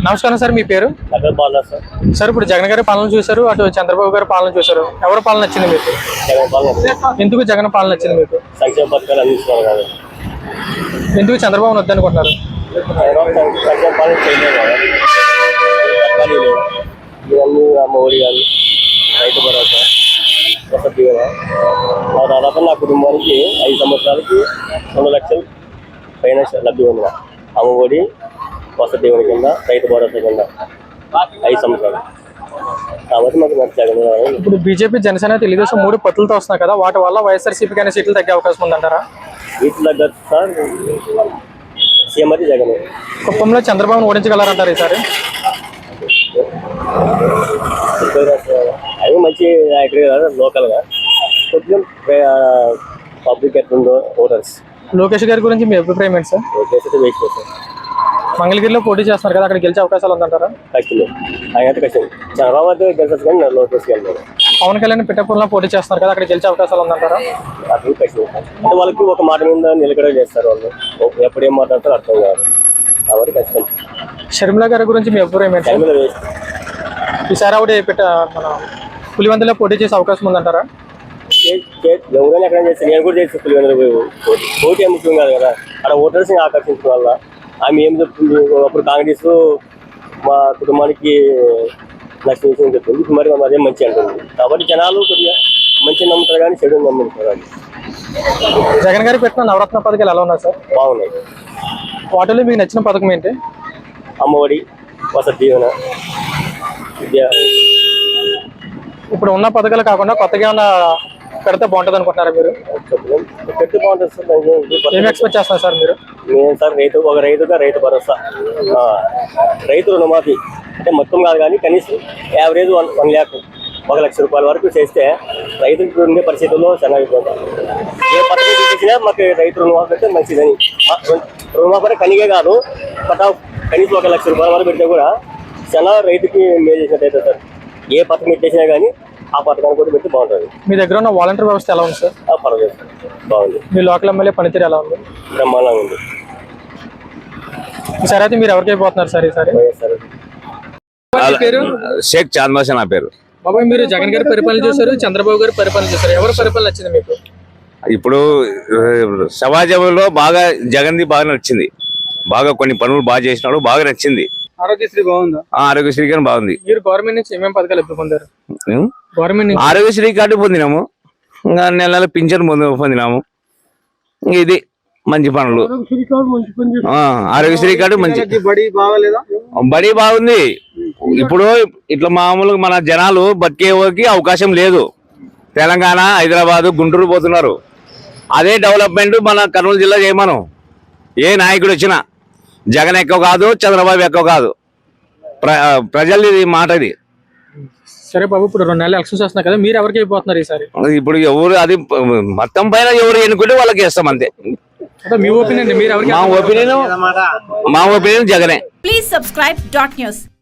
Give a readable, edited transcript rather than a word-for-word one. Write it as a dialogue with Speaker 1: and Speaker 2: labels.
Speaker 1: నమస్కారం సార్, మీ పేరు? సార్ ఇప్పుడు జగన్ గారి పాలన చూశారు, అటు చంద్రబాబు గారి పాలన చూశారు, ఎవరి పాలన నచ్చింది మీకు? ఎందుకు జగన్ పాలన నచ్చింది మీకు?
Speaker 2: సంక్షేమ పథకాలు అందిస్తున్నారు కదా.
Speaker 1: ఎందుకు చంద్రబాబు వద్దనుకుంటున్నారు?
Speaker 2: సంక్షేమ పాలన చేయలేదు కదా. ఇవన్నీ అమ్మఒడి కానీ రైతు భరోసా వసతి కదా. దాదాపు నా కుటుంబానికి 5 సంవత్సరాలకి 2 లక్షలు పైన లబ్ధి ఉంది. అమ్మఒడి వసతి దీవెన కింద రైతు భరోసా కింద 5 సంవత్సరాలు కాబట్టి మాకు మంచి జగన్.
Speaker 1: ఇప్పుడు బీజేపీ జనసేన తెలుగుదేశం 3 పొత్తులతో వస్తున్నాయి కదా, వాటి వల్ల వైఎస్ఆర్సీపీ కానీ సీట్లు తగ్గే అవకాశం ఉందంటారా?
Speaker 2: సీట్లు తగ్గదు సార్, సీఎం అయితే జగన్.
Speaker 1: కుప్పంలో చంద్రబాబును ఓడించగలరంటారు ఈసారి?
Speaker 2: అవి మంచి నాయకుడు కదా, లోకల్గా కొంచెం పబ్లిక్ ఎట్లుందో ఓటర్స్.
Speaker 1: లోకేష్ గారి గురించి మీ అభిప్రాయం ఏంటి సార్?
Speaker 2: లోకేష్ అయితే వెయిట్ చేస్తారు.
Speaker 1: మంగళగిరిలో పోటీ చేస్తున్నారు కదా, అక్కడ గెలిచే అవకాశాలు ఉందంటారా?
Speaker 2: కష్టమే, ఆయన అయితే కష్టం. చంద్రబాబు అయితే గెలిచచ్చు కానీ లోకేష్ వెళ్తారు.
Speaker 1: పవన్ కళ్యాణ్ పిఠాపురంలో పోటీ చేస్తున్నారు కదా, అక్కడ గెలిచే అవకాశాలు ఉందంటారా?
Speaker 2: అది కష్టం. అంటే వాళ్ళకి ఒక మాట మీద నిలకడ చేస్తారు, వాళ్ళు ఎప్పుడు ఏం మాట్లాడతారో అర్థం కాదు కాబట్టి కష్టం.
Speaker 1: షర్మిల గారి గురించి మీ అభిప్రాయం ఏంటి?
Speaker 2: టైంలో వేస్ట్.
Speaker 1: ఈసారి ఆవిడ మన పులివెందులో పోటీ చేసే అవకాశం ఉందంటారా?
Speaker 2: ఎవరైనా ఎక్కడ చేస్తారు, నేను కూడా చేస్తాను. పులివెందులో పోటీ ఏం ముఖ్యం కాదు కదా, అక్కడ ఓటర్స్ని ఆకర్షించడం వల్ల. ఆమె ఏం చెప్తుంది, అప్పుడు కాంగ్రెస్ మా కుటుంబానికి నష్టం విషయం చెప్తుంది, మరి అదే మంచి అంటుంది. కాబట్టి జనాలు కొద్దిగా మంచి నమ్ముతారు కానీ చెడు నమ్ముతారు.
Speaker 1: జగన్ గారు పెట్టిన నవరత్న పథకాలు ఎలా ఉన్నాయి సార్?
Speaker 2: బాగున్నాయి.
Speaker 1: వాటిలో మీకు నచ్చిన పథకం ఏంటి?
Speaker 2: అమ్మఒడి, వసతి దీవెన, విద్య.
Speaker 1: ఇప్పుడు ఉన్న పథకాలు కాకుండా కొత్తగా ఏమన్నా పెడితే బాగుంటుంది అనుకుంటున్నారా మీరు?
Speaker 2: పెట్టి బాగుంటుంది సార్.
Speaker 1: ఏం ఎక్స్పెక్ట్ చేస్తున్నారు సార్ మీరు?
Speaker 2: నేను సార్ ఒక రైతుగా రైతు భరోసా, రైతు రుణమాఫీ అంటే మొత్తం కాదు కానీ కనీసం యావరేజ్ 1 lakh 1 లక్ష రూపాయల వరకు చేస్తే రైతులకు ఉండే పరిస్థితుల్లో చాలా ఇబ్బంది. ఏ పథకం చూపించినా మాకు రైతు రుణమాఫీ అంటే మంచిదని. రుణమాఫీ కనిగే కాదు, కనీసం 1 లక్ష రూపాయల వరకు పెడితే కూడా చాలా రైతుకి మేలు చేసినట్టయితే సార్. ఏ పథకం పెట్టేసినా కానీ ఆ పథకాన్ని కూడా పెట్టి బాగుంటుంది.
Speaker 1: మీ దగ్గర ఉన్న వాలంటీర్ వ్యవస్థ ఎలా ఉంది సార్?
Speaker 2: పర్వాలేదు, బాగుంది.
Speaker 1: మీ లోకల్ ఎమ్మెల్యే పనితీరు ఎలా ఉంది?
Speaker 2: బ్రహ్మాండంగా ఉంది.
Speaker 1: ఈసారి అయితే మీరు ఎవరికి అయిపోతున్నారు సార్ ఈసారి? పేరు
Speaker 3: షేక్ చాంద్మాషా నా పేరు.
Speaker 1: బాబాయ్, మీరు జగన్ గారి పరిపాలన చూసారు, చంద్రబాబు గారి పరిపాలన చూసారు, ఎవరి పరిపాలన నచ్చింది మీకు?
Speaker 3: ఇప్పుడు సమాజంలో బాగా జగన్ది బాగా నచ్చింది. బాగా కొన్ని పనులు బాగా చేసినాడు, బాగా నచ్చింది.
Speaker 1: ఆరోగ్యశ్రీ బాగుందా?
Speaker 3: ఆరోగ్యశ్రీ కానీ బాగుంది.
Speaker 1: మీరు గవర్నమెంట్ నుంచి ఏమేమి పథకాలు ఎప్పుడు పొందారు? గవర్నమెంట్ నుంచి
Speaker 3: ఆరోగ్యశ్రీ కార్డు పొందినాము, ఇంకా నెల పింఛన్ పొందినాము. ఇది మంచి పనులు. ఆరోగ్యశ్రీ కార్డు మంచి. బడి బాగుంది. ఇప్పుడు ఇట్లా మామూలుగా మన జనాలు బతికేకి అవకాశం లేదు. తెలంగాణ, హైదరాబాద్, గుంటూరు పోతున్నారు. అదే డెవలప్మెంట్ మన కర్నూలు జిల్లా చేయమను. ఏ నాయకుడు వచ్చినా జగన్ ఎక్కువ కాదు, చంద్రబాబు ఎక్కువ కాదు. ప్రజలది మాట ఇది.
Speaker 1: సరే బాబు, ఇప్పుడు 2 నెలలు ఎలక్షన్స్ వస్తున్నాయి కదా, మీరు ఎవరికి అయిపోతున్నారు ఈసారి?
Speaker 3: ఇప్పుడు ఎవరు అది మొత్తం పైన ఎవరు ఎన్నుకుంటే వాళ్ళకి వేస్తాం అంతే.
Speaker 1: మీ ఒపీనియన్? మీరు ఎవరికి?
Speaker 3: మా ఒపీనియన్ జగనే.
Speaker 4: Please subscribe .news.